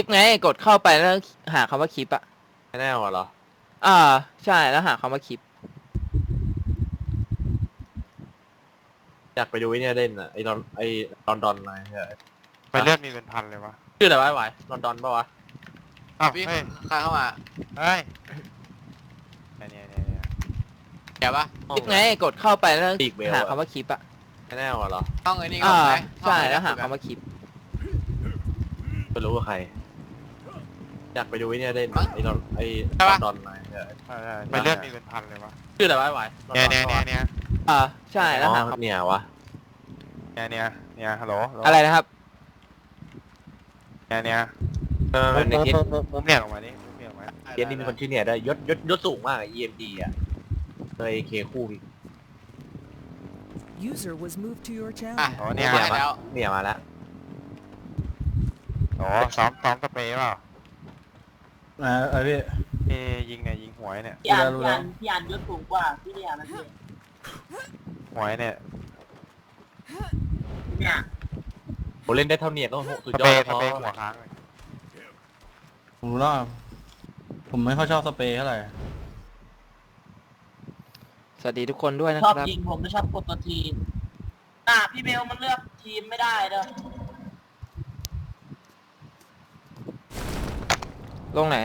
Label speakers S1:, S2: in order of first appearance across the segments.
S1: ไงกดเข้าไปแล้วหาคำว่าคลิปอะ
S2: แน่เหรอ
S1: ใช่แล้วหาคำว่าคลิป
S2: อยากไปดูไอ้เนี่ยเล่นอ่ะไอ้ลอนดอนอะไรเนี่ย
S3: ไปเลือดมีเป็นพันเลยวะ
S2: ชื่ออะไรวะไอ้ไหวลอนดอนปะวะ
S3: อ้าว
S4: พี่
S3: เฮ้ย
S4: ใครเข้ามา
S3: เฮ้ยเนี่ย
S4: แกปะ
S1: คลิปไงกดเข้าไปแล้ว
S2: ปีกเบล
S1: หา
S2: อะ
S1: คำว่าคลิปอะ
S2: แน่เหรอ
S4: ห้องไอ้นี่ก็ไหม
S1: ใช่แล้วหาคำว่าคลิป
S2: ไม่รู้ว่าใครอยากไปดูไอ้เนี่ยเล่นไอ้ลอนดอนอะไรเนี่ย
S3: ไปเลือดมีเป็นพันเลยวะ
S2: ชื่ออะไรวะไอ้ไหวลอนดอนปะวะ
S1: ใช่แล้วหา
S2: เนี่ยวะ
S3: เนี่ยฮัลโหล
S1: อะไรนะครับ
S3: เนี่ย
S2: มันในเคส
S3: มุมเนี่ยออกมาดิมุมเนี่ยออกมา
S2: เคสนี้มีคนชื่อเนี่ยได้วยยศสูงมากอะ EMD อ่ะเลยเคคู่อีก
S5: User was moved to your
S4: อ่ะ
S5: channel.
S3: อ๋อเนี่ย
S4: มาแล้ว
S2: เนี่ยมาแล้ว
S3: อ๋อซ้อมสเปรย์เปล่า
S6: พี่
S3: ยิงเนี่ยยิงหวยเนี่ย
S7: พี่อ่านยศสูงกว่าพี่เนี่ยนะพี่
S3: หวยเนี่ย
S7: เนี่ย
S2: ผมเล่นได้เท่าเนี่ยก็สุด
S3: ส
S2: ย
S3: เป
S2: อ
S3: ร
S2: ด
S3: ย์
S2: แล้ว
S3: หัวค้างเลย
S6: ผมรู้แล้วผมไม่ค่อยชอบสเปรย์เท่าไหร่
S1: สวัสดีทุกคนด้วยนะ
S7: ช
S1: ค
S7: อบ
S1: รับ
S7: ยิงผมไม่ชอบกดตัวทีมพี่เบลมันเลือกทีมไม่ได้เด้อ
S1: ลงไหน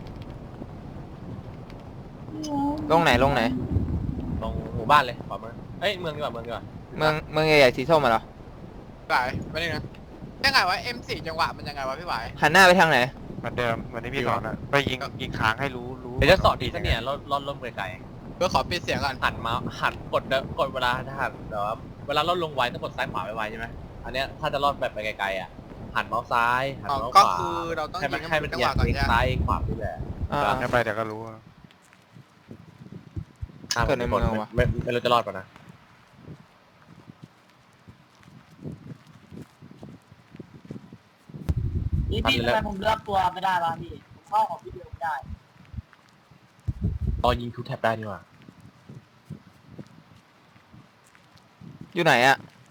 S1: ลงไหน
S2: ตรงหมู่บ้านเลยขวามือเอ้ยเมืองดีกว่าเมือง
S1: ใหญ่ๆสีส้มมาเหรอ
S4: ไหวไม่ได้นะยังไงวะ M4 จังหวะมันยังไงวะพี่ไหว
S1: หันหน้าไปทางไหน
S3: เหมือนเดิมเหมือนที่พี่สอนอะไปยิงค้างให้รู้
S2: เดี๋ยวจะสอนทีซะเนี่ยล่นไกล
S4: เพื่อขอปิดเสียงก่อน
S2: ๆหันกดเวลาถ้าหันแต่ว่าเวลาล่นลงไวต้องกดซ้ายขวาไวๆใช่ไหมอันเนี้ยถ้าจะล่นแบบไปไกลๆอ่ะหันเมาส์ซ้ายหันเมาส์ข
S4: ก็
S2: วา
S4: คือเราต้อง
S2: ให้
S4: ยิ
S2: มัน
S4: ง
S2: ให้มัน
S4: จัง
S2: เอี
S4: ห
S2: ย
S4: วะก่อน
S2: ง
S4: ใช่ไหม
S2: ซ้ายขวานี่แหละ
S3: ให้ไปเดี๋ยวก็รู้
S1: เกิดในเมืองวะ
S2: ไม่รู้จะรอดป่ะนะ
S7: พี่ทำไมผมเลือกตัวไม่ได้วะพี่ผมเข้าของพี่เบลไม่ได้
S2: ตอนยิงทูแท็บได้นี่หว่า
S1: อยู่ไหนอะ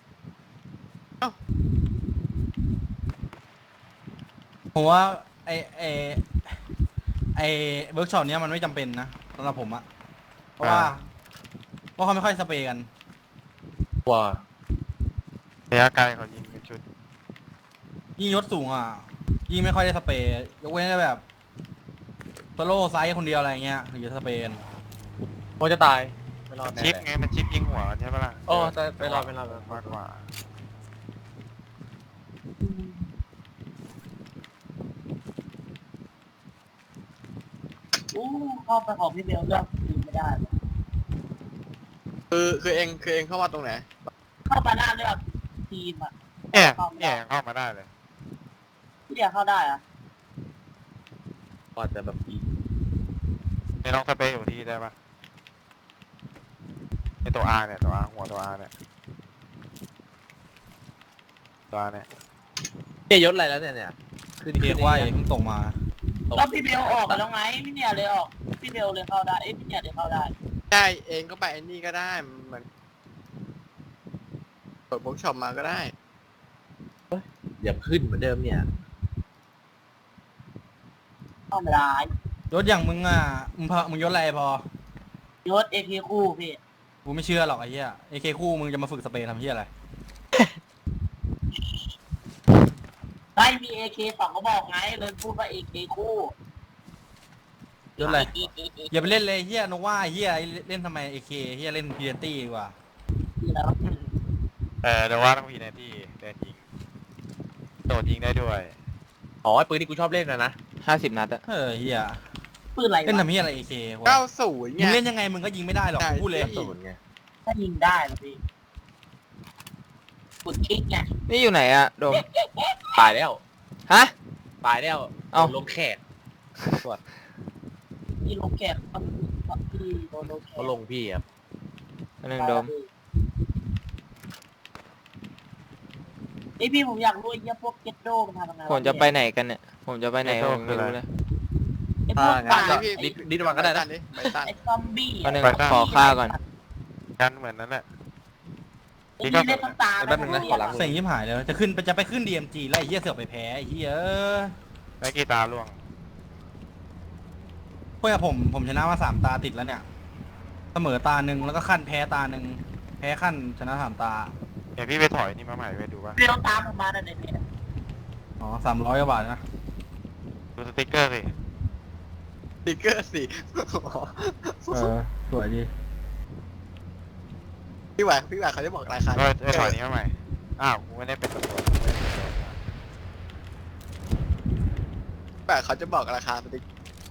S6: ผมว่าไอเวิร์กช็อปเนี้ยมันไม่จำเป็นนะสำหรับผมอะเพราะเขาไม่ค่อยสเปรย์กัน
S2: ว่า
S3: ระยะไกลเขายิงเป็นชุด
S6: ยิ่งยศสูงอ่ะยิ่งไม่ค่อยได้สเปรย์ยกเว้นแต่แบบโซโล่ไซส์คนเดียวอะไรเงี้ยถึงจะสเปรย์กัน
S2: โมจะตายไม่รอดแน่
S3: ชิปไงมันชิปยิงหัวใช่ปะล่ะ
S2: โอ้แต่ไม่รอด
S3: มากกว่า
S7: เข้าไปของพี่เบลเลือกทีมไม่ได้
S4: คือเองเข้ามาตรงไหน
S7: เข้ามาหน้าเลือกทีมอ่ะ
S3: เนี่ยยังเข้ามาได้เลย
S7: พี่เดียเข้าได้อะ
S2: ก็จะแบบอี
S3: ไม่ลองสเปรย์อยู่ที่ได้ปะไอตัว R เนี่ยตัว R หัวตัว R เนี่ยตัว R เนี่ย
S2: ยศอะไรแล้วเนี่ยขึ้น
S6: เรียกว่าเพิ่งส่งมา
S7: แล้วพี่เบลออกไปแล้วไงพี่เนี่ยเลยออกพี่เบลเลยเข้าได้พี่เนี่ยเลยเข้าได้
S4: ใช่เองก็ไปไอ้นี่ก็ได้มันเปิดบุ๊กช็อปมาก็ได้
S2: อย่าขึ้นเหมือนเดิมเนี่ย
S7: เข้าไม่ได้
S6: ยศอย่างมึงอ่ะมึงยศอะไรพอย
S7: ศเอพีคู่พี่
S6: กูไม่เชื่อหรอกไอ้เหี้ยเอเคคู่มึงจะมาฝึกสเปรย์ทำเหี้ยอะไร
S7: ได้มีเอเคสองก็บอกไงเลยพูดว่าเอเคคู่
S6: ยศอะไรอย่าไปเล่นเลยเหี้ยโนว่าเหี้ยเล่นทำไมเอเคเหี้ยเล่นพีเดนตี้ดีกว่า
S7: แล้ว
S3: เดี๋ยวว่าต้องพีนาที่เดินยิงโดดยิงได้ด้วย
S2: อ๋อไอ้ปืนที่กูชอบเล่นนะ
S1: 50 นัดอะ
S6: เหี้ย
S7: ปืนอะไร
S6: เล่น
S7: วะ
S6: ทำเหี้ยอะไรเอเค
S4: 90
S6: มึ
S4: เนี่
S6: ง
S4: ย
S6: เล่นยังไงมึงก็ยิงไม่ได้หรอกกูพูดเลย
S2: ศูนย์ไง
S7: ถ้ายิงได้เหรอพี่กดคลิกไง
S1: นี่อยู่ไหนอะโดม
S2: ตายแล้ว
S1: ฮะ
S2: ตายแล้ว
S1: เอ้า
S2: ลงแขก
S7: พี่ลงแกะพี่โดนลงแกะ
S2: เขาลงพี่ครับ
S1: อันหนึ่งโดม
S7: ไอพี่ผมอยากรู้ไอ้เหี้ยพวกเก็ตโดมันทำยังไงว
S1: ผมจะไปไหนกันเนี่ยผมจะไปไหนผมไม่รู้เลย
S7: ไอพวก
S4: ตั
S7: ป่าน
S4: เลยพี่
S2: ดิดวังก็ได้นะ
S4: ไปตัน
S7: ไอซอมบี้
S1: วันหนึ่งขอข้าวก่อน
S3: กันเหมือนนั้นแหละ
S7: ไอพี่เล่นน้ำตา
S2: แป๊บนึงนะขอล้าง
S6: เซ็งยิ่หายเลยจะไปขึ้น DMG แล้วไอ้เหี้ยเสือกไปแพ้ไอ้เหี้ย
S3: แล้วกี่ตาล่วง
S6: เพื่อผมชนะมา3 ตาติดแล้วเนี่ย เสมอตาหนึ่งแล้วก็ขั้นแพ้ตาหนึ่งแพ้ขั้นชนะ3 ตา
S3: เดี๋ยวพี่ไปถอยนี่มาใหม่ไปดูว่า
S7: เบลตามผมมาในเพจ
S6: อ๋อ300 กว่าบาทนะ
S3: ดูสติ๊กเกอร์สิ
S4: สติ๊กเกอร์สิ
S6: สวยดี
S4: พี่หวายเขาจะบอกราคา
S3: ก็ไปถอยนี่มาใหม่ อ้าวกูไม่ได้เป็นตำรวจ
S4: พี่หวายเขาจะบอกราคาสติ๊ก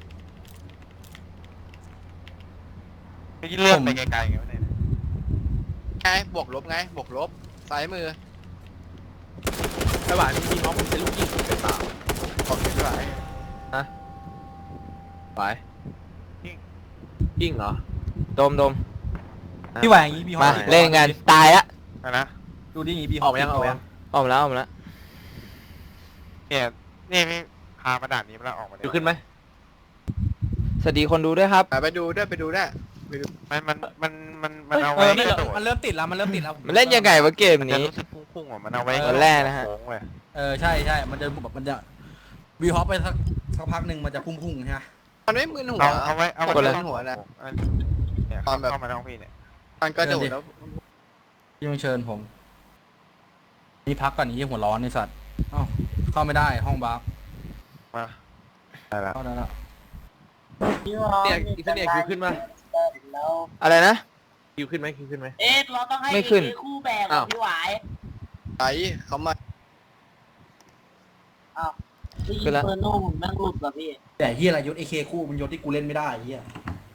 S3: พี่เลื่อนไปไกลๆไงวะเนี่ย
S4: ไงบวกลบไงบวกลบซ้ายมือพี่หวายมีน้องเป็นลูกยิงเป็นสาวบอกพี่หวาย
S2: ไปยิงเหรอ
S1: โดมโดม
S6: พี่หวายอย่างงี้พี่ฮอ
S1: มา
S6: ป
S1: เล่นกันตายละ
S3: นะ
S6: ดูดิอย่างงี้พี่ฮ
S2: อ
S6: อ
S2: อ
S6: ป
S2: กมายังออกมายัง
S1: ออกมาแล้วออกมาแล้ว
S3: เนี่ยนี่พี่พามาด่านนี้มาแล้วออกมา
S2: อยู่ขึ้นไหม
S1: สวัสดีคนดูด้วยครับ
S4: ไปดูด้วยไปดูด้วย
S3: มันเอา
S6: เอ
S3: ไว้
S6: อไม่
S3: กระโดด
S6: มันเริ่มติดแล้วมันเริ่มติดแล้ว
S1: มันเล่นยังไงวะเกม
S3: มันจะ
S1: นี้
S3: รู้สึกพุ่งๆอ่ะมันเอาไว้
S1: วันแรกนะฮะ
S3: โค้งเลย
S6: ใช่มันจะแบบมันจะวีฮอปไปสักพักหนึ่งมันจะพุ่งๆใช่ไหม
S4: มันไม่มึนหัว
S3: เอาไว้
S4: กดเลยหัวนะ
S3: เนี่ย
S4: ตอนแบบ
S3: เข้ามาท้องพี่เนี่ย
S4: มันกระโดดแล้ว
S6: พี่ต้องเชิญผมนี่พักก่อนนี้หัวร้อนในสัตว์เอ้าเข้าไม่ได้ห้องบัฟ
S3: มาได้ละ
S6: เข้าได้แล้ว
S2: เนี่ยอีกเนี่ยคิวขึ้นมา
S7: แล้ว
S1: อะไรนะ
S2: คิวขึ้นไหมคิวขึ้นไหม
S7: เราต้องให้
S1: ไม่ขึ้น
S7: คู่แบก
S2: อ้าว
S7: พี่หวาย
S4: ไอ้เขามา
S7: พี่ยิงเฟอร์โน่ผมแม่งหลุดว่ะพี่
S6: แต่เฮียอะไรยศ AK คู่มันยศที่กูเล่นไม่ได้เฮีย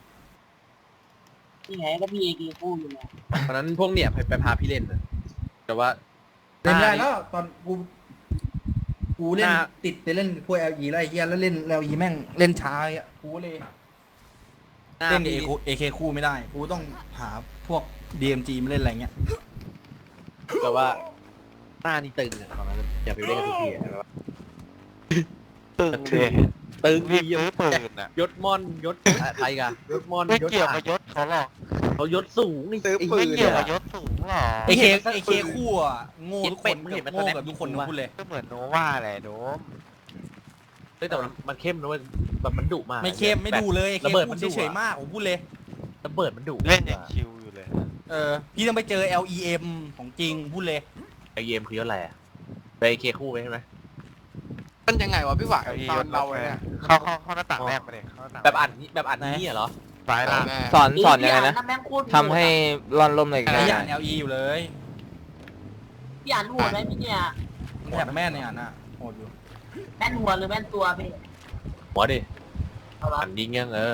S7: นี่ไงก็พี่เอกีคู่อยู่เนี่ย
S2: ตอนนั้นพวกเนี่ยไปพาพี่เล่นนะแต่ว่า
S6: เล่นไม่ได้แล้วตอนกูเล่นติดไปเล่นพวก LE แล้วไอ้เฮียแล้วเล่น LE แม่งเล่นช้าอ่ะกูเลยเล่น AK คู่ไม่ได้กูต้องหาพวก DMG มาเล่นอะไรเงี้ย
S2: แต่ว่าหน้านี่ตึงอะตอนนั้นอย่าไปเล่นกับทุกทีอะแบบว่า
S3: ตึงเลย
S2: ตึง
S3: รี
S2: ดี
S3: บซื้อปืนอ่ะ
S2: ยศมอนยศใครกันยศมอน
S3: ไม่
S2: ยศ
S3: เกี่ยว
S2: อ่ะ
S3: กับยศเขาหรอก
S2: เขายศสูงนี่
S4: ซื้อ
S2: ไอ้
S4: ปื
S3: ไม่
S4: น
S3: เกี่ยวกับยศสูงหรอก
S6: AK คู่อ่ะโง่ทุกคนโง่กับทุกคนนะพูดเลย
S3: ก็เหมือนโนวาแหละโดม
S2: เฮ้ยแต่มันเข้มนะเว้ยแบบมันดุมาก
S6: ไม่เข้มไม่ดูเลย AK
S2: ระเบิด
S6: คู่
S2: มันดุ
S6: เฉยๆมากผมพูดเลย
S2: ระเบิดมันดุ
S3: เล่นอย่างชิวอยู่เลย
S6: พี่ต้องไปเจอ LEM ของจริงพูดเลย
S2: ไอเยมคือยศอะไรอะไปเคคู่ไปใช่ไหม
S4: มันยังไงวะพี่หวาย
S3: เอาอี
S4: ต
S3: ย
S4: อน
S3: ศ
S4: เรา
S3: เรา
S4: เนี่ย
S3: เข้าหน้าต่างแรกไปเลยเข้าหน้าต่าง
S2: แบบอ่านนี่เหรอ
S3: ซ้ายล่าง
S1: สอนยังไงนะ
S7: แม่งโคตรโด
S1: ทำให้ร่อนลมหน่อยกัน
S6: ไอ้ย่าน LE อยู่เลย
S7: พี่อ่านหัวได้ไหมเนี่ย
S6: มันแถบแม่นเนี่ยน่ะโหดอยู่
S7: แม่นหัวหรือแม่นตัวพี่
S2: หัวดิ
S7: เอาละ
S2: อ่านยิงยังเออ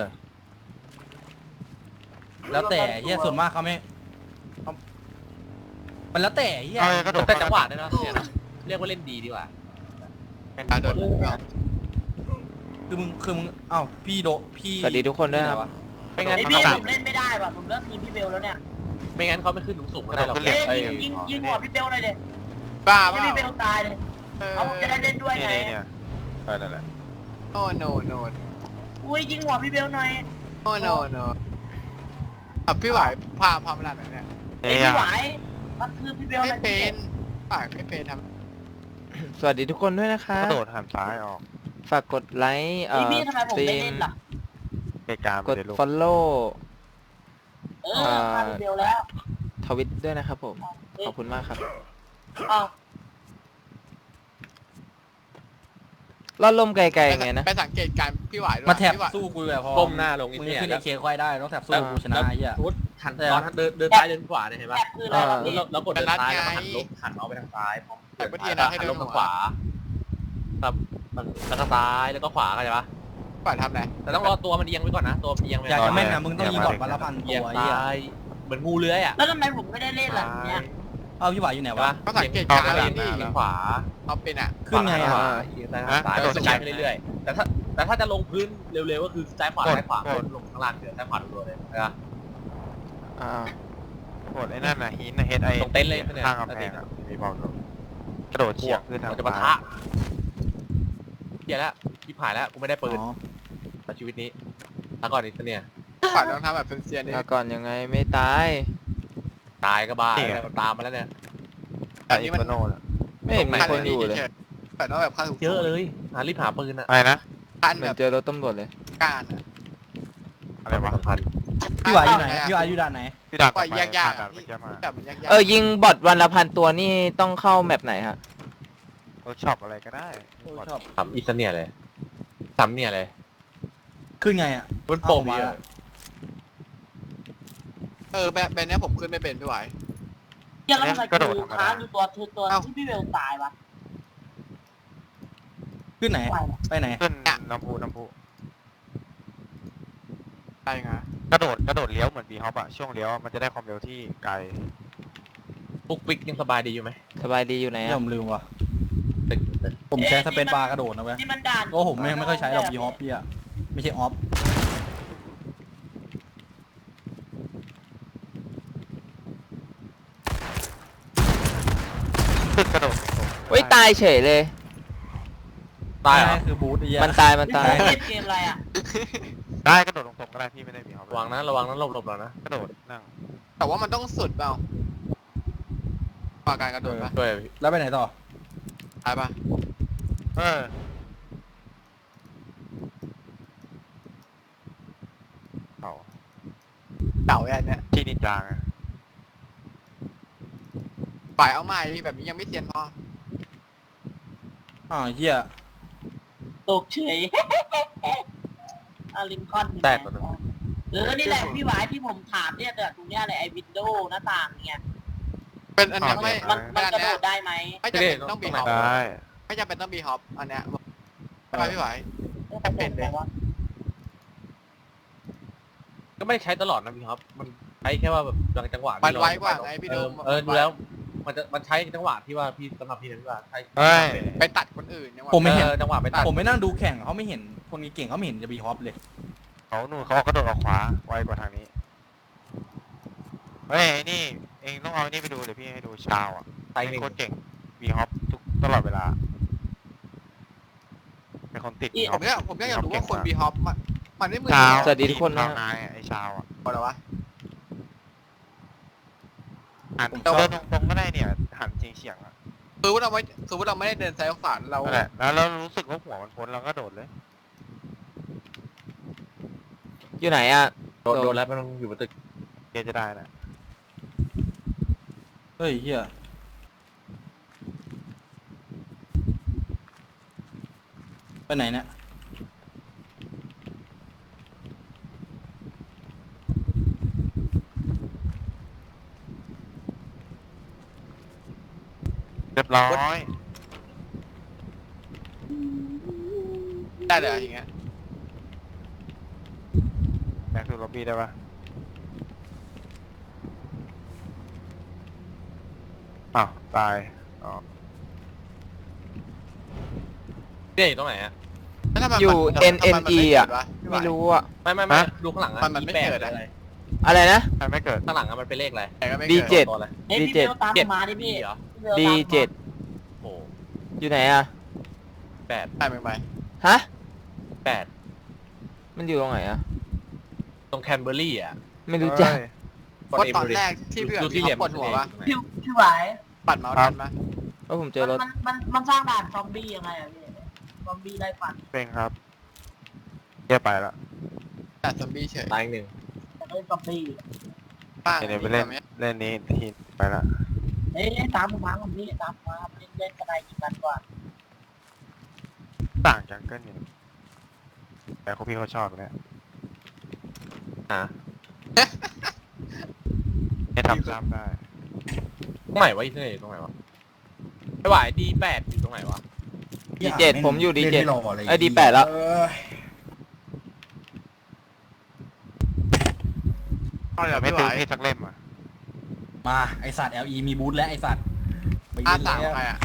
S6: แล้วแต่เฮียส่วนมากเขาไม่มันแล้วแต่เฮีย
S3: เอากระโดด
S2: แต่จังหวะด้วยนะเนี่ยนะเรียกว่าเล่นดีดีกว่า
S4: การโดด
S6: คือมึงอ้าวพี่พี่
S1: สวัสดีทุกคนด้วยครับ
S2: ไม่งั้น
S7: ไอ
S2: เขา
S7: พี่
S2: ไม่
S7: ผมเล่นไม่ได้ว่ะผมเลิกทีมพี่เบลแล้วเนี่ย
S2: ไม่งั้นเขาไม่ขึ้นสูงๆก็ได้หรอก
S7: เอ้ย
S2: เอ้ย
S7: ยิงหัวพี่เบลเลยเด็
S4: บ้า
S7: ให้
S4: เปล่า
S7: พี่เบลตายเลยเอาผมจะได้เล่นด้วย
S3: นี่
S7: ไง
S3: เนี่ยนั่นแหละ
S4: โนโน
S7: อุ้ยยิงหัวพี่เบลหน่อย
S4: โนพี่หวายพามาด่านไหนเนี่ย
S7: ไอพี่หวายมันคือพี่เบล
S4: ไม่
S7: นะ
S4: เป็นหวายไม่เป็นท
S1: สวัสดีทุกคนด้วยนะคะ
S3: กระโดดหันซ้ายออก
S1: ฝากกดไลค์
S7: พี่พี่ทำไมผม
S1: สตรี
S7: ไม่
S1: ม
S7: เล่นล่ะ
S3: เกกาไป
S1: กด
S3: เลยลูก
S1: follow
S7: พาพี่เบลแล้ว
S1: ทวิตด้วยนะครับผม ขอบคุณมากครับ
S7: อ้าว
S1: ร่อนลมไกล
S4: ำ
S1: ๆไงนะ
S4: ไปสังเกตการพี่หวายด้วย
S6: มาแถบ
S4: พี่หวาย
S6: สู้กูแบบพอ
S2: ก้มหน้าลง
S6: มึ
S2: นี่
S6: งจะ
S2: เนี่ย
S6: ขึ้น AK ค่อยได้ต้องแถบสู้กูชนะไอ้เหี้ย
S2: สมมติหันตอนเดินซ้ายเดินขวาเนี่ยเห็น
S7: แอ
S2: ปะ
S7: บคืออะไรวะพี่
S2: แล้วกดเดินซ้ายแล้วก็หันเมาส์ไปทางซ้ายพร้อมหันลงทางขวาครับแล้วก็ซ้ายแล้วก็ขวาเข้าใจปะ
S4: หวายทำอะไร
S2: แต่ต้องรอตัวมันเอียงไว้ก่อนนะตัวมันเอียงไว้
S6: อยาก
S2: ก่อ
S6: จะ
S2: น
S6: แม่นนะมึงต้องยิงบอดวันละพัน
S2: เอี
S6: ตั
S2: ยง
S6: วไอ้เหี้ย
S2: ซ้ายเหมือนงูเลื้อยอ่ะ
S7: แล้วทำไมผมไม่ได้เล่นล่ะเนี่ย
S6: เอาพี่หวายอยู่ไหนวะ
S4: ก็สังเกตการณ์
S2: เอียง
S4: นี่
S2: ขวา
S4: เอาเป็นอ่ะ
S6: ขึ้นไง
S2: ข
S6: อ่ะ
S2: วาเอียงซ้ายซ้ายสกายไปเรื่อยๆแต่ถ้าจะลงพื้นเร็วๆก็คือซ้ายขวาซ้ายขวาลงข้างล่างเดี๋ยวซ้ายขวารัวๆเลยนะ
S1: อ่า
S3: กดไอ้นั่นน่ะหินนะเฮดไอ
S2: ตรงเต็นท์เลยเนี่ย
S3: ข้างกำแพงอ่ะมีบอกอยู่กระโดดเฉียงขึ้นทาง
S2: มันจะปะทะเหี้ยแล้วพี่ผ่านแล้วกูไม่ได้ปืน
S6: อ๋อ
S2: ในชีวิตนี้ถ้าก่อนนี้เนี่ย
S4: หวายต้องทำแบบเซียนๆนี่
S1: ถ้าก่อนยังไงไม่ตาย
S2: ตายก็บ้าตามมาแล้วเนี่ย
S3: แต่อินโฟโน่ะ
S1: ไม่เห็นมีคนอยู่เลย
S4: แต่ต้องแบบค่าถูก
S2: เยอะเลยรีบหาปืนอะ
S3: อะไรนะ
S4: การ
S1: เห
S4: แบ
S1: มือบ นเจอรถตำรวจเลย
S4: การอะ
S3: อะไรวะ
S2: สำคัญ
S6: พี่หวายอยู่ไหนพี่หวายอยู่ด่านไหน
S3: ที่ด่าน
S4: ปล่อยยากๆ
S3: ด่า
S4: อะ
S3: นเมื่อกี้มา
S4: แบบมันยากๆ
S1: ยิงบอทวันละ1,000 ตัวนี่ต้องเข้าแมปไหนฮะ
S3: เวิร์กช็อปอะไรก็ได้
S6: ชอบ
S2: ทำอีสเนียเลยทำเนี่ยเลย
S6: ขึ้นไงอ่ะ
S2: มันโป่ง
S6: เอามา
S2: เยอะ
S4: แบบเนี้ยผมขึ้นไม่เป็นพี่หวาย
S7: เหี้ยแล้วทำไมกูค้างอยู่ตัวตัว
S4: เอ้า
S7: ที่พี่เบลตายวะ
S6: ขึ้นไหน
S7: ไปวะ
S6: ไปไหน
S3: ขึ้นน้ำพุ
S4: ใช่ไง
S3: กระโดดเลี้ยวเหมือนบีฮอปอะช่วงเลี้ยวมันจะได้ความเร็วที่ไกล
S2: ปุ๊กปิ๊กยังสบายดีอยู่ไหม
S1: สบายดีอยู่ไหน
S6: นี่
S1: อะ
S6: ผมลืมว่ะ
S2: ตึก
S6: ผมใช้สเปนบาร์กระโดดนะเว้ย
S7: นี่มันด่าน
S6: โอ้ผมไม่ค่อยใช้หรอกบีฮอปพี่อะไม่ใช่ออฟ
S3: ขึ้นกระโดด
S1: เฮ้ยตายเฉยเลย
S2: ตายเหรอ
S6: คือบูทไอ้เหี้ย
S1: มันตายมันตาย
S7: เล่นเกมอะไรอ่ะ
S3: ได้กระโดดตรงๆก็ได้พี่ไม่ได้บีฮอประ
S2: วังนะระวังนะหลบๆแล้วนะ
S3: กระโดดนั่ง
S4: แต่ว่ามันต้องสุดเปล่าปาการกระโดดปะ
S2: ด้วย
S6: แล้วไปไหนต่อ
S4: ตายปะ
S3: เออเอา
S4: เก่าแอนเนี้ย
S3: ที่นินจาไง
S4: ฝ่ายเอาใหม่แบบนี้ยังไม่เซียนพอ
S6: อ้าวเหี้ย
S7: ตกเฉยอาริมคอน
S2: แตกตัวนึง
S7: นี่แหละพี่หวายที่ผมถามเนี่ยแต่ตรงเนี้ยเลยไอ้วินโดว์หน้าต่างเนี่ย
S4: เป็นอันเนี้ยไม่
S7: มันกระ
S4: เนี้
S7: โด
S4: ย
S7: ดได้ไหม
S4: ไม่จำเป็นต้องบีฮอป
S3: ได้
S4: ไม่จำเป็นต้องบีฮอปอันเนี้ยใช่ไหมพี่หวาย เป็นเลย
S2: ก็ไม่ได้ใช้ตลอดนะพี่ครับ มันใช้แค่ว่าแบบบางจังหวะ
S4: มันไวกว่าไงพี่โดม
S2: ดูแล้ว มันใช้จังหวะที่ว่าพี่สำหรับพี่นะพี่ว่าใช้
S3: เฮ้ย
S4: ไปตัดคนอื่นยังว่า
S6: ผมไม่เห็น
S2: จังหวะไปตัด
S6: ผมไม่นั่งดูแข่งเขาไม่เห็นคนเก่งเขาไม่เห็นจะบีฮอปเลย
S3: เขาหนูเขากระโดดออกขวาไวกว่าทางนี้เฮ้ยไอ้นี่เองต้องเอาไอ้นี่ไปดูเดี๋ยวพี่ให้ดูชาวอ่ะ
S2: ใช้
S3: เป็น
S2: หนึ่ง
S3: โคตรเก่งบีฮอปทุกตลอดเวลาเป็นคนติด
S4: ผมก็อยากรู้ว่าคนบีฮอปมันไม่เหมือน
S3: ชาว
S1: สวัสดีทุกคนนะ
S3: ชาวนายไอ้ชาวอ่ะ
S4: อะไรวะ
S3: หันเดินตรงๆก็ได้เนี่ยหันเฉียงๆอ่ะ
S4: คือว่าเราไม่ได้เดินซ้ายขวาเรา
S3: นั่นแหละแล้วเรารู้สึกว่าหัวมันพ้นเราก็โดดเลย
S1: อยู่ไหนอะ
S2: โดนแล้วมันอยู่บนตึก
S3: เกจะได้นะ
S6: เฮ้ยเหี้ยไปไหนเนี่ย
S3: เรียบร้อย
S4: ได้เลยอย่างเงี้ย
S3: แบ็คทูล็อบบี้ได้ปะอ้าวตายอ๋อ
S2: เนี่ยอยู่ตรงไหนอะ
S4: แล้วทำไม
S1: อยู่
S4: มัน
S1: NNE อะ
S4: พี่หวาย
S1: ไม่รู้อะ
S2: ไม่ดูข้างหลังอะ
S4: มันไม่
S2: แปด
S4: เกิดอะ
S2: อะไร
S1: อะไรนะ
S3: ใครไม่เกิด
S2: ข้างหลังอะมันเป็นเลขอะไร
S4: แต่ก็ไม่
S1: ดี
S4: เกิด
S1: เจ็ด
S2: ตัวอะไร
S7: เฮ้ยพี่เบลตามผมมาดิพี่
S2: เหรอ
S1: ดีเจ็ด
S2: โอ้
S1: อยู่ไหนอะ
S2: แปด
S4: ได้ไป
S1: ฮะ
S2: แปด
S1: มันอยู่ตรงไหนอะ
S2: ตรงแคนเบอร์รี่อะ
S1: ไม่รู้จัก
S3: เอ้ย
S4: เพราะตอนแรกที่พี่แบบ
S2: ดูที่เหลี่ยม
S4: ปวดหัวปะ
S7: พี่หวาย
S4: ปัดเมาส์ทันปะ
S1: ว่าผมเจอรถ
S7: มันสร้างด่านซอมบี้ยังไงอะพี่ซอมบี้ไล่ฟัน
S3: เป็นครับแย่ไปละ
S4: แต่ซอมบี้เฉย
S2: ตายอีกหนึ่ง
S7: แต่ก็ซอมบี้
S4: ป้า
S3: เดี๋ยวไปเล่นเล่นนี้ทีไปละ
S7: เฮ้ยตามผมมาผมพี่ตามมาเล่นกระไดยิงกันกว่า
S3: ต่างจังเกิลอยู่แต่เขาพี่เขาชอบเนี่ย
S2: อ่ะ
S3: ให้ทำซ้ำได้
S2: ตรงไหนวะอีเท่อยู่ตรงไหนวะไอ้หวายดีแปดอยู่ตรงไหนวะ
S1: D7 ผมอยู่ D7
S6: เล่นไม่รออะไร
S1: ไอ้ D8 แล้ว
S4: เอาเดี๋ยว
S3: ไม่
S4: พี่ห
S3: ตื้อ
S4: วาย
S3: พี่สักเล่มอ่ะ
S6: มาไอสัตว์ LE มีบูทและไอสัตว์ไป
S4: อา
S6: ยืน
S4: สาม
S6: เลย
S4: ใครอ่ะ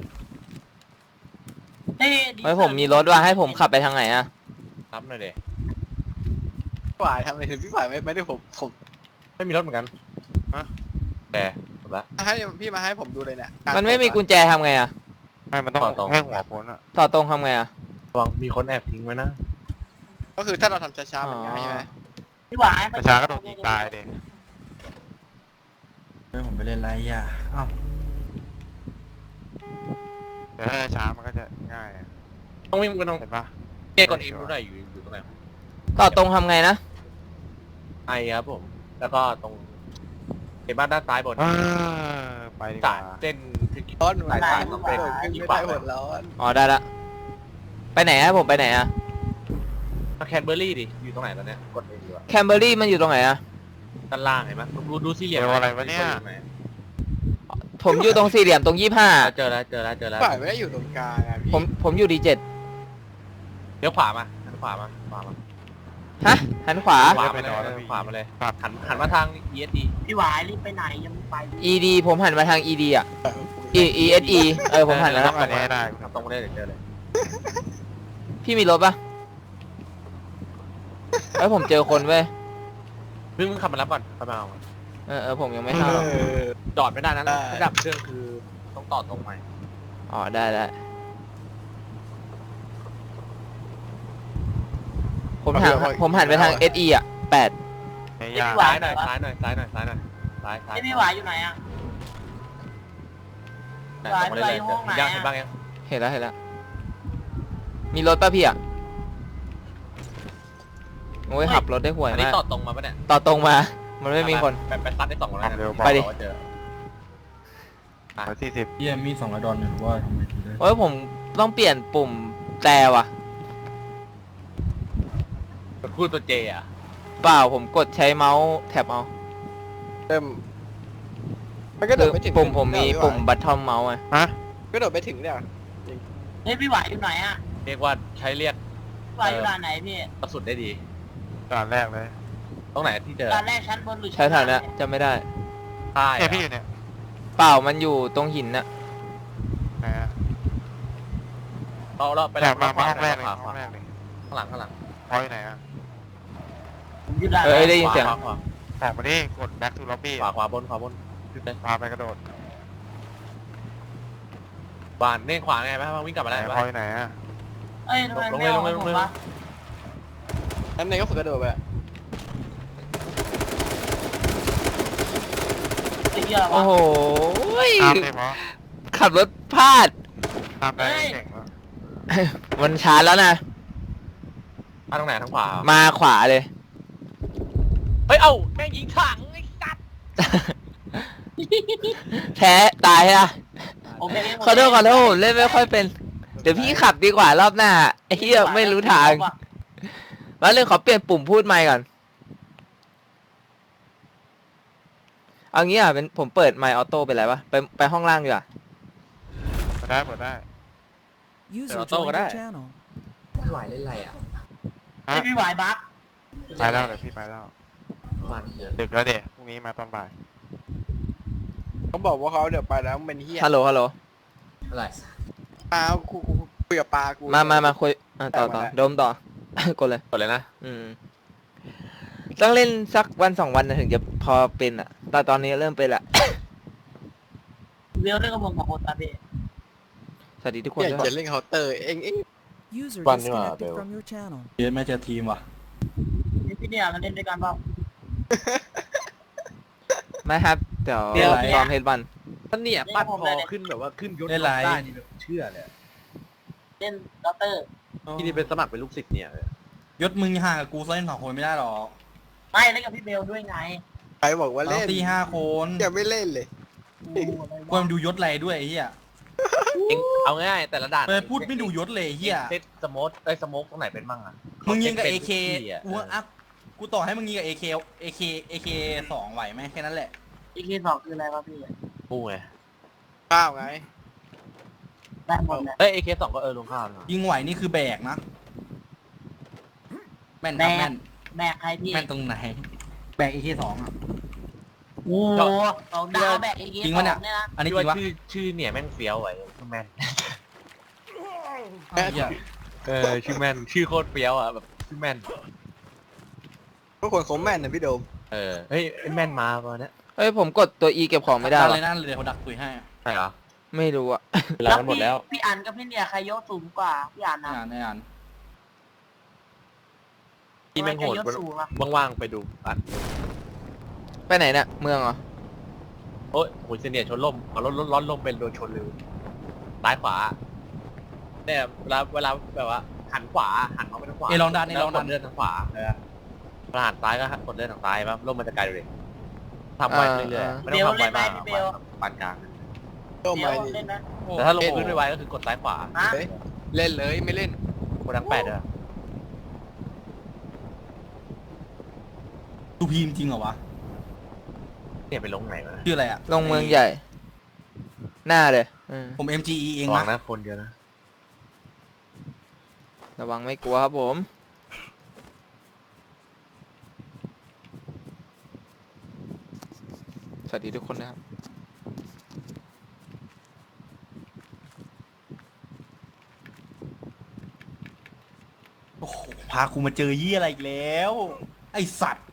S7: เฮ้ย
S1: เฮ้ยผมมีรถว่าให้ผมขับไปทางไหนอะ
S2: รับหน่อยเด็
S4: พี่หวายทำอะไรถึงพี่หวายไม่ได้ผม
S2: ไม่มีรถเหมือนกันแต่หมดละ
S4: ให้พี่มาให้ผมดูเลยเนี่ย
S1: มันไม่มีกุญแจทำไงอะ
S3: ไม่มันต้อง
S2: ต่อตรง
S3: ให้หัวพ้นอ่ะ
S1: ต่อตรงทำไงอะ
S2: ระวังมีคนแอบทิ้งไว้นะ
S4: ก็คือถ้าเราทำช้าๆมันง่ายใช่ไหม
S7: พี่หวาย
S3: ประชาก็โดนยิงตายเด็
S6: เฮ้ยผมไปเล่นไรอ่ะอ้าว
S3: แต่ถ้าช้ามันก็จะง่ายอะ
S2: ต้องวิ่งกันตรง
S3: เห็นปะ
S2: เก้กดอินดูหน่อยอยู่ตรงไหน
S1: ต่อตรงทำไงนะ
S2: ไอครับผม แล้วก็ตรงเห็นบ้านด้านซ้ายบน
S3: ไปดีก
S2: จ่า
S3: ว่า
S2: เส้นคือ
S4: ร้อนเหมือน
S2: สาย
S4: กั
S2: สาย
S4: น
S2: ต้อง
S4: ไม่
S2: เป็น
S4: ได้
S2: อีก
S4: ไม่
S2: ฝั่
S4: ได้
S2: ง
S4: หมดร้อน
S1: อ๋อได้ละ ไปไหนอะผมไปไหนอะ
S2: แคนเบอร์รี่ดิอยู่ตรงไหนตอนเนี้ยกดเองดีกว่า
S1: แคมเบอรี่มันอยู่ตรงไหนอะ
S2: ด้านล่างเห็นไหมดูสี่เหลี่ยม
S3: เดี๋ยวอะไรวะเนี่ย
S1: ผมอยู่ตรงสี่เหลี่ยมตรง25
S2: เจอแล้ว
S4: ฝ่ายไม่ได้อยู่ตรงกลางอะพี่
S1: ผมอยู่ดี7
S2: เดี๋ยวขวามาหันขวามา
S1: ฮะหันขวา
S2: ขวามาเลยขวามาเลยหันมาทาง ESD
S7: พี่หวายรีบไปไหนยังไม่ไป
S1: ED ผมหันมาทาง ED อะ ESE ผมหันแล้ว
S3: ต้องอันนี้ให้ได้
S2: ตรงมาเลยเดี๋ยวเจอเลย
S1: พี่มีรถปะผมเจอคนเว้ย
S2: มึงขับมารับก่อนขับมาเอา
S1: ผมยังไม่ทราบ
S2: จอดไม่ได้นะระดับเครื่องคือต้องต่อตรงใหม่
S1: อ๋อได้ผมหันไปทาง SE อ่ะ8
S3: ไม่
S7: พี่
S3: ยาก
S7: หวา
S2: ซ้าย
S7: ย
S2: หน่อยซ้ายหน่อยซ้าย
S7: พี่หวายอยู่ไหนอ่ะ
S2: ตรงมาเลยยังเห็นบ้างยัง
S1: เห็นแล้วมีรถป่ะพี่อ่ะโอ้ยขับรถได้ห่วย
S2: อันนี้
S1: มาก
S2: ต่อตรงมาปะเนี่ย
S1: ต่อตรงมา มันไม่มีคน
S2: ไปซัดได้2คนแล้ว
S1: ไปดิ
S2: เจอ
S3: 140
S6: เหี้ยมี200 ดอลเนี่ยว่าทำไมถึงได้
S1: โอ้ยผมต้องเปลี่ยนปุ่มแต่ว่ะ
S2: พูดตัวเจอ่ะ
S1: เปล่าผมกดใช้เมาส์แท็บเอา
S4: เริ่มมันก็โด
S1: คื
S4: ด
S1: อ
S4: ไปถึง
S1: ปุ่มผมมีปุ่มบัตทอมเมาส์ไง
S3: ฮะ
S4: ก็โดดไปถึงเนี่ย
S7: เฮ้ยพี่หวายอยู่ไหนอ่ะ
S2: เรียกว่าใช้เรียก
S7: พี่หวายอยู่ด่านไหนพี่
S2: กระสุนได้ดี
S3: ด่านแรกเลย
S2: ตรงไหนที่เจอ
S7: ด่านแรกชั้นบนหรือ
S1: ใช้แถวเนี้ยจำไม่ได้
S2: ใช่
S3: เนี่ยพี่อยู่เนี่ย
S1: เปล่ามันอยู่ตรงหินน่ะ
S3: นะฮะ
S2: เราไป
S3: แต่
S2: แล้ว
S3: มาห้องแรกเลย
S2: ขวา
S3: ห้องแรกเลย
S2: ข้างหลัง
S3: พอยไหนอ่ะ
S7: ผมอยู่ด่าน
S1: ได้ยินเสียง
S2: ขวา
S3: ออกมาดิกด back to lobby
S2: ขวาบน
S3: พาไปกระโดด
S2: บ้านเน่ขวาไงไหมวิ่งกลับมา
S3: ไหน
S2: ได้
S3: พอยไหนอ่ะ
S7: เอ้ยทำไมไม่เอาผมวะ
S4: นั่นเองก็ฝึกกระโดดไป
S7: ไอ้เหี้ย
S1: โอ้
S7: วะ
S1: โห
S3: ตามเลยเพราะ
S1: ขับรถพลาด
S3: ตามได้เก่งวะ
S1: มันช้าแล้วนะ
S2: ตรงไหนทางขวา
S1: มาขวาเลย
S2: เฮ้ยเอ้าแม่งยิงถังไอ้สัตว์
S1: แพ้ตายอะ
S7: โอเค
S1: ขอโทษผมเล่นไม่ค่อยเป็น เดี๋ยวพี่ขับดีกว่ารอบหน้าไอ้เหี้ยไม่รู้ทางมาเรื่องขอเปลี่ยนปุ่มพูดใหม่ก่อน เอางี้อ่ะเป็นผมเปิดไมค์ออโต้ไปแล้วปะไปห้องล่างดีกว่า
S3: เปิดได้
S5: User joined your channel.
S8: หวายเล่นอะไรอ่ะ
S7: ไอ้พี่หวายบัก
S3: ไปแล้วเดี๋ยวพี่ไปแล้ว
S8: มันเยอะ
S3: ดึกแล้วเด็กพรุ่งนี้มาตอนบ่าย
S4: เขาบอกว่าเขาเดี๋ยวไปแล้วมันเป็นเฮีย
S1: ฮัลโหล
S8: อะไร
S4: กูคุยกับปลากู
S1: มาคุยต่อโดมต่อ กดเลย
S2: กดเลยนะ
S1: ต้องเล่นสักวัน2 วันนะถึงจะพอเป็นอ่ะแต่ตอนนี้เริ่มเป็นละ
S7: เวลเรื่องกับผมของคนตาพี่
S1: สวัสดีทุกคน
S4: อยาก
S1: ด้วย
S4: จะเล่นเคาน์เตอร์เอง
S5: User
S2: One
S5: disconnected
S2: more,
S5: from your channel.
S6: เหี้ยแม่เจอทีมว่ะ
S7: พี่เนี่ยมันเล่นด้วยกันเปล่า
S1: ไม่ครับเดี๋ยว
S6: เดี๋ยว
S1: ซ้อมเฮดบัน
S2: ท่านเนี่ยปั้นพอขึ้นแบบว่าขึ้นยศ
S6: เล่นอะไร
S2: ได้นี่แบบเชื่อเลย
S7: เล่นด็อกเตอร์
S2: ที่นี่เป็นสมัครเป็นลูกศิษย์เนี่ย
S6: ยศมึงห่างกับกูเล่น2 คนไม่ได้หรอก
S7: ไม่เล่นกับพี่เบลด้วยไง
S4: ใครบอกว่า
S6: เรา
S4: เล่น
S6: ตี5 คน
S4: ยังไม่เล่นเลย
S6: กูมันดูยศอะไรด้วยไอ้เหี้ย
S2: เองเอาง่ายแต่ละด่าน
S6: ไปพูดไม่ดูยศเลยไอ้เหี้ย
S2: เซตสโมกสโมกตรงไหนเป็นมั่งอ่ะ
S6: มึงยิงกับ
S2: เป็น
S6: AK
S2: ทุกที่อะ
S6: กูต่อให้มึงยิงกับ AK 2ไหวไหมแค่นั้นแหละ
S7: อีกทีสองคืออะไรวะพี่
S2: กูไง
S4: ข้าวไง
S7: ได้หมดเลย
S2: เอ้ย AK2 ก็ลงข้าวนะ
S6: ยิงไหวนี่คือแบกนะ แม่นครับแม่น
S7: แบกใครพี่
S6: แม่นตรงไหน แบก AK 2อ่ะ
S7: โอ้โหสองดาวแบกอีกที
S6: จริง
S7: สอ
S6: ปะเนี่ย
S7: งเนี่ยนะ
S6: อันนี้
S2: ที่
S6: จริ
S2: ว่าง
S6: วะ
S2: ชื่อเนี่ยแม่งเฟี้ยวไว้แม่น
S6: ไอ้เหี้ย
S2: ชื่อแม่นชื่อโคตรเฟี้ยวอ่ะแบบชื่อแม่น
S4: พวกคนเขาแม่นนะพี่โดม
S2: เฮ้ยไอ้แม่นมาป่ะเนี่ย
S1: เฮ้ยผมกดตัว E เก็บของไม่ได้
S6: นั่น
S1: วะ
S6: เลยนั่นเลยเดี๋ยวเขาดักตุยให้
S2: ใช่เหรอ
S1: ไม่รู้อ่ะ
S2: เวลามันหมดแล้ว
S7: พี่อันกับพี่เนี่ยใครยกสูงกว่าพี่อันนะ
S6: ไม่อ่าน
S2: ที่แม่งโหด
S7: ใครยกสูงอะ
S2: ว่างๆไปดูอ่ะ
S1: ไปไหนเนี่ยเมืองเหรอ
S2: โอ้ยโหเซเนียชนล่มเอารถร้อนลมเป็นโดนชนเลยซ้ายขวาเนี่ยเวลาแบบว่าหันขวาหันเขาไปทางขวา
S6: ลองดันนี่ลองดัน
S2: กดเลื่อนทางขวาเวลาหันซ้ายก็กดเลื่อนทางซ้ายป่ะร่มมันจะไกลเลยทำไวเรื่อยๆไม่ต้องทำไวมากปานกลาง
S4: โอ้
S7: เดี๋ย
S4: ไม่
S7: วเล่นนะ
S2: แต่ถ้าลงพื้นไวๆก็คือกดซ้ายขวา
S7: ฮะ
S4: เล่นเลยไม่เล่น
S2: กดทั้งแปดเลย
S6: ดูพีมจริงเหรอวะ
S2: เนี่ยไปลงไหนมา
S6: ชื่ออะไรอะ
S1: ลงเมืองใหญ่ หน้าเลย
S6: ผม MGE เอง
S2: ระวัง
S6: นะ
S2: นะคนเดียวนะ
S1: ระวังไม่กลัวครับผม สวัสดีทุกคนนะครับ
S6: โอ้โหพากูมาเจอยี่อะไรอีกแล้ว ไอสัตว์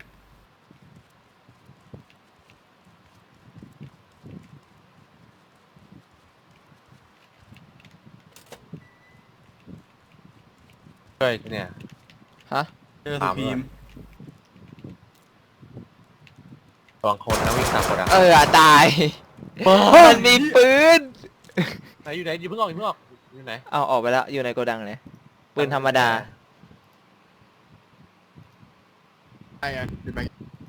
S2: เฮ้ยเนี่ย
S1: ฮะ
S6: เจอสุพีม
S2: ระวังคนนะวิ่งตามคนอ่ะ
S1: ตาย มันมีปืน
S2: ไหนอยู่ไหนอยู่เพิ่งออกอยู่ไหน
S1: เอาออกไปแล้ว อยู่ในโกดังเลยปืนธรรมดา
S4: ไอ้ไงดูไป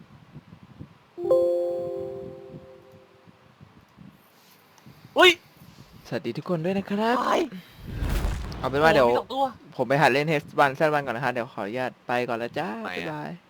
S2: อุ้ย
S1: สวัสดีทุกคนด้วยนะครับ เอาเป็นว่าเดี๋ยว
S2: มีสองตัว
S1: ผมไปหัดเล่นเฮสบันแซดบันก่อนนะคะ เดี๋ยวขออนุญาตไปก่อนแล้วจ้า
S2: ไหนอะ
S1: บ๊ายบาย